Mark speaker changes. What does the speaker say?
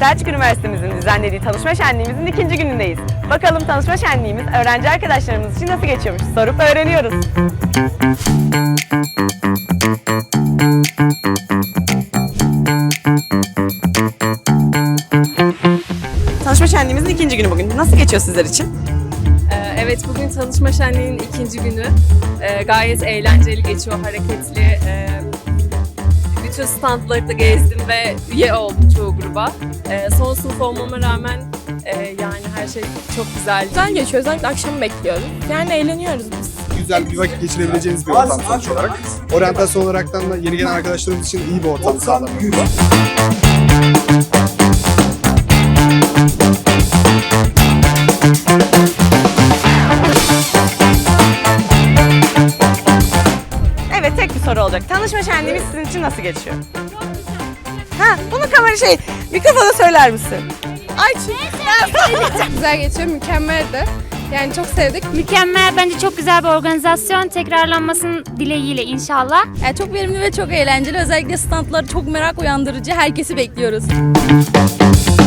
Speaker 1: Selçuk Üniversitemizin düzenlediği tanışma şenliğimizin 2. günündeyiz. Bakalım tanışma şenliğimiz öğrenci arkadaşlarımız için nasıl geçiyormuş? Sorup öğreniyoruz. Tanışma şenliğimizin 2. günü bugün. Nasıl geçiyor sizler için?
Speaker 2: Evet, bugün tanışma şenliğinin 2. günü. Gayet eğlenceli geçiyor, hareketli. Bütün standları da gezdim ve üye oldum çoğu gruba. Son sınıf olmama rağmen yani her şey çok güzel.
Speaker 3: Güzel geçiyor. Özellikle akşamı bekliyorum. Yani eğleniyoruz biz.
Speaker 4: Güzel bir vakit geçirebileceğiniz bir ortam sonuç olarak. Oryantasyon olaraktan da yeni gelen arkadaşlarımız için iyi bir ortam sağlanıyor.
Speaker 1: Evet, tek bir soru olacak. Tanışma şenliğimiz sizin için nasıl geçiyor? Bunu mikrofona söyler misin?
Speaker 3: Güzel geçiyor. Mükemmeldi. Yani çok sevdik.
Speaker 5: Mükemmel, bence çok güzel bir organizasyon. Tekrarlanmasının dileğiyle inşallah.
Speaker 6: Yani çok verimli ve çok eğlenceli. Özellikle standlar çok merak uyandırıcı. Herkesi bekliyoruz.